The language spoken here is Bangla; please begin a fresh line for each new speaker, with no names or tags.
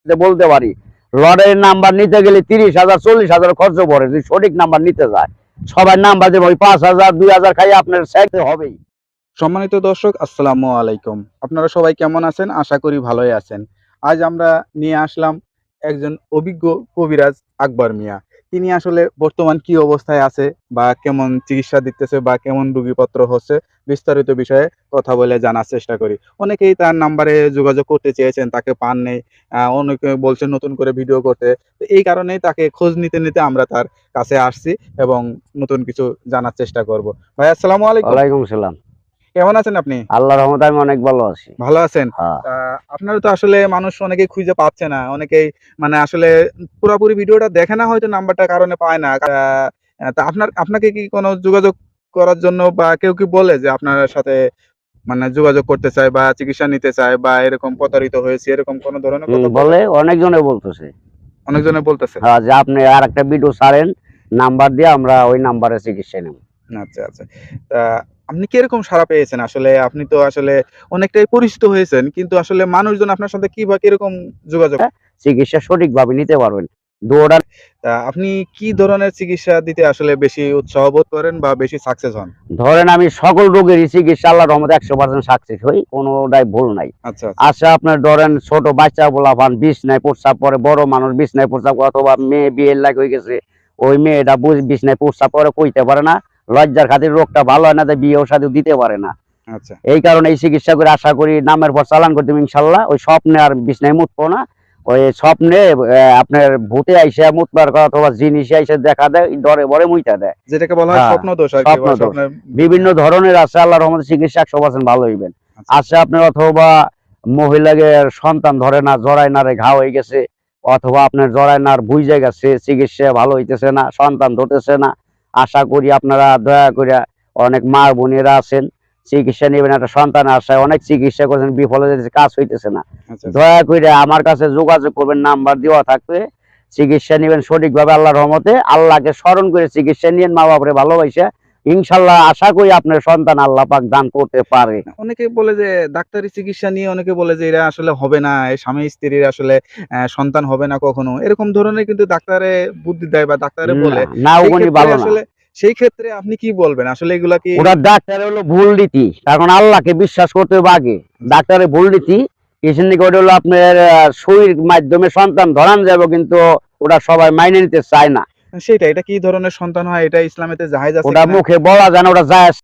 বলতে পারি লটারির নাম্বার নিতে গেলে 30,000 40,000 খরচ পড়ে, যদি সঠিক নাম্বার নিতে যায়। সবাই নাম্বার দেবো, ওই 5,000 2,000 খাই আপনার চাইতে হবেই।
সম্মানিত দর্শক, আসসালামু আলাইকুম। আপনারা সবাই কেমন আছেন? আশা করি ভালোই আছেন। আজ আমরা নিয়ে আসলাম একজন অভিজ্ঞ কবিরাজ আকবর মিয়া। তিনি আসলে বর্তমান কি অবস্থায় আছে বা কেমন চিকিৎসা দিতেছে বা কেমন রোগীপত্র হচ্ছে, বিস্তারিত বিষয়ে কথা বলে জানার চেষ্টা করি। অনেকেই তার নাম্বারে যোগাযোগ করতে চেয়েছেন, তাকে পান নেই। অনেকে বলছেন নতুন করে ভিডিও করতে। তো এই কারণেই তাকে খোঁজ নিতে নিতে আমরা তার কাছে আসছি এবং নতুন কিছু জানার চেষ্টা করব। ভাই আসসালামু আলাইকুম।
ওয়ালাইকুম সালাম।
কেমন আছেন আপনি?
আল্লাহর রহমতে আমি অনেক ভালো আছি।
ভালো আছেন?
হ্যাঁ।
আপনারা তো আসলে মানুষ অনেকেই খুঁজে পাচ্ছে না। অনেকেই মানে আসলে পুরাপুরি ভিডিওটা দেখে না, হয়তো নাম্বারটার কারণে পায় না। তা আপনাকে কি কোনো যোগাযোগ করার জন্য বা কেউ কি বলে যে আপনার সাথে মানে যোগাযোগ করতে চায় বা চিকিৎসা নিতে চায় বা এরকম প্রতারিত হয়েছে, এরকম কোনো ধরনের কথা বলে?
বলে, অনেকজনে বলতেছে।
অনেকজনে বলতেছে।
হ্যাঁ, যে আপনি আর একটা ভিডিও ছাড়েন, নাম্বার দিয়ে আমরা ওই নাম্বারে চিকিৎসা নেব।
আচ্ছা, আচ্ছা। তা আপনি কিরকম সাড়া পেয়েছেন? আসলে আপনি তো আসলে অনেকটাই পরিচিত হয়েছেন। কিন্তু আসলে মানুষজন আপনার সাথে কি বা কিরকম যোগাযোগ?
চিকিৎসা সঠিকভাবে নিতে পারবেন। দৌড়ান।
তা আপনি কি ধরনের চিকিৎসা দিতে আসলে বেশি উৎসাহ বোধ করেন বা বেশি সাকসেস হন?
ধরেন আমি সকল রোগেরই চিকিৎসা আল্লাহর রহমতে 100% সাকসেস হই, কোনোটাই ভুল নাই।
আচ্ছা, আচ্ছা।
আচ্ছা, আপনার ধরেন ছোট বাচ্চা পোলাপান বিছনায় প্রস্রাব করে, বড় মানুষ বিছনায় প্রস্রাব করে, অথবা মেয়ে বিয়ের লাগ হয়ে গেছে, ওই মেয়েটা বিছনায় প্রস্রাব করে কইতে পারে না, লজ্জার খাতির রোগটা ভালো হয় না, তাই বিয়েও শাদী দিতে পারে না।
আচ্ছা।
এই কারণে এই চিকিৎসা করে আশা করি নামের পর চালান করতে ইনশাল্লাহ ওই স্বপ্নে আর বিছনায় মুতবো না। ওই স্বপ্নে আপনার ভূতে আইসা মুতবার কথা অথবা জিনিস আইসা দেখা দেয়, ডরে বরে মুইতা দেয়।
যেটাকে বলা হয়
হ্যাঁ,
স্বপ্ন দোষ আরকি,
স্বপ্ন
বা
দোষ
স্বপ্নের
বিভিন্ন ধরনের আছে। আল্লাহর রহমতে চিকিৎসা 100% ভালো হইবেন।
আচ্ছা।
আছে আপনার অথবা মহিলাকে সন্তান ধরে না, জরায় নারে ঘা হয়ে গেছে, অথবা আপনার জরায় নার বুইজে গেছে, চিকিৎসা ভালো হইতেছে না, সন্তান ধরতেছে না। আশা করি আপনারা দয়া করে, অনেক মা বোনেরা আছেন, চিকিৎসা নেবেন। একটা সন্তান আশায় অনেক চিকিৎসা করছেন, বিফলে যেতেছে, কাজ হইতেছে না।
আচ্ছা, আচ্ছা।
দয়া করে আমার কাছে যোগাযোগ করবেন, নাম্বার দেওয়া থাকবে। চিকিৎসা নেবেন সঠিকভাবে আল্লাহর রহমতে। আল্লাহকে স্মরণ করে চিকিৎসা নিয়েন, মা বাপরে ভালোবাসে ইনশাল্লাহ আশা করি আপনার সন্তান আল্লাহ পাক দান করতে পারে।
অনেকে বলে যে ডাক্তারি চিকিৎসা নিয়ে অনেকে বলে যে এরা আসলে হবে না, এই স্বামী স্ত্রীর আসলে সন্তান হবে না কখনো। এরকম ধরনের কিন্তু ডাক্তারে বুদ্ধি দেয় বা ডাক্তারে বলে।
না,
সেই
ওগুলি
ক্ষেত্রে
ভালো না।
আসলে সেই ক্ষেত্রে আপনি কি বলবেন? আসলে এগুলা কি
ওরা ডাক্তার হলো ভুল রীতি, কারণ আল্লাহকে বিশ্বাস করতে হবে আগে। ডাক্তারের ভুল রীতি এসে নাকি ওটা হলো আপনার সুইর মাধ্যমে সন্তান ধরান যাবে, কিন্তু ওটা সবাই মাইনে নিতে চায় না।
সেটা এটা কি ধরনের সন্তান হয়, এটা ইসলামেতে জায়েজ আছে
ওটা
কিনা?
মুখে বলা যায় না, ওটা জায়েজ